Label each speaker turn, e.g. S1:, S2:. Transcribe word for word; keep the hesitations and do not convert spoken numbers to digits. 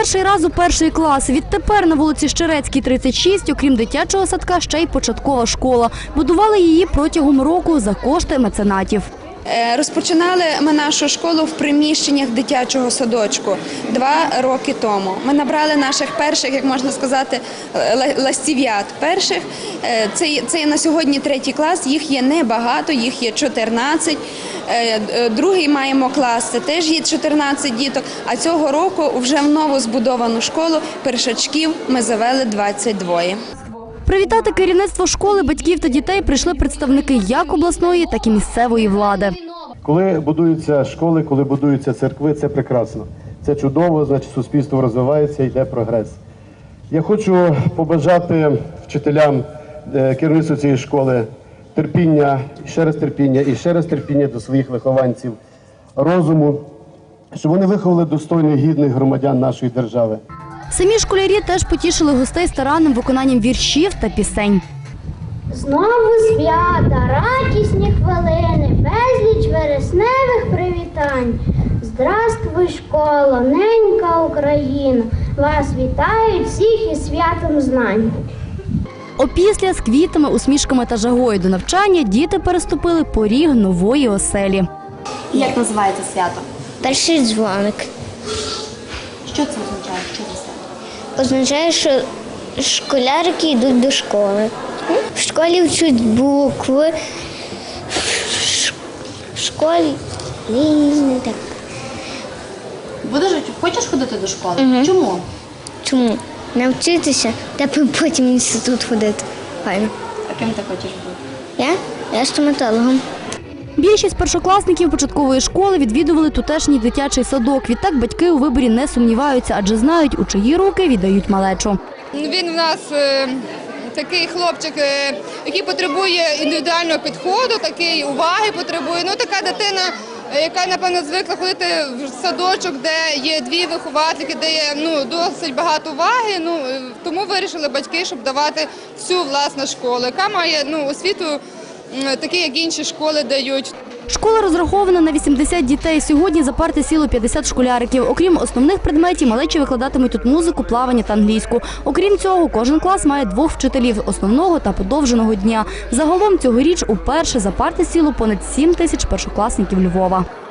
S1: Перший раз у перший клас. Відтепер на вулиці Щерецькій, тридцять шість, окрім дитячого садка, ще й початкова школа. Будували її протягом року за кошти меценатів.
S2: Розпочинали ми нашу школу в приміщеннях дитячого садочку два роки тому. Ми набрали наших перших, як можна сказати, ластів'ят перших. Це, це на сьогодні третій клас, їх є небагато, їх є чотирнадцять. Другий маємо клас, це теж є чотирнадцять діток. А цього року вже в нову збудовану школу першачків ми завели двадцять два.
S1: Привітати керівництво школи, батьків та дітей прийшли представники як обласної, так і місцевої влади.
S3: Коли будуються школи, коли будуються церкви, це прекрасно. Це чудово, значить суспільство розвивається, йде прогрес. Я хочу побажати вчителям, керівництву цієї школи терпіння, ще раз терпіння і ще раз терпіння до своїх вихованців, розуму, щоб вони виховали достойних, гідних громадян нашої держави.
S1: Самі школярі теж потішили гостей старанним виконанням віршів та пісень.
S4: Знову свята, радісні хвилини, безліч вересневих привітань. Здравствуй, школа, ненька Україна, вас вітають всіх із святом знань.
S1: Опісля з квітами, усмішками та жагою до навчання діти переступили поріг нової оселі.
S5: Як називається свято?
S4: Перший дзвоник.
S5: Що це означає? Що це свято?
S4: Означає, що школярики йдуть до школи. В школі вчать букви. В школі не так.
S5: Будеш, хочеш ходити до школи?
S4: Угу.
S5: Чому?
S4: Чому? Навчитися, та потім в інститут ходити. Файно.
S5: А ким ти хочеш бути?
S4: Я? Я стоматологом.
S1: Більшість першокласників початкової школи відвідували тутешній дитячий садок. Відтак батьки у виборі не сумніваються, адже знають, у чиї руки віддають малечу.
S6: Він в нас е, такий хлопчик, е, який потребує індивідуального підходу, такий уваги потребує. Ну, така дитина, яка, напевно, звикла ходити в садочок, де є дві виховательки, де є ну, досить багато уваги. Ну, тому вирішили батьки, щоб давати всю власну школу, яка має ну, освіту, такі, як інші школи дають.
S1: Школа розрахована на вісімдесят дітей. Сьогодні за парти сіло п'ятдесят школяриків. Окрім основних предметів, малечі викладатимуть тут музику, плавання та англійську. Окрім цього, кожен клас має двох вчителів – основного та подовженого дня. Загалом цьогоріч уперше за парти сіло понад сім тисяч першокласників Львова.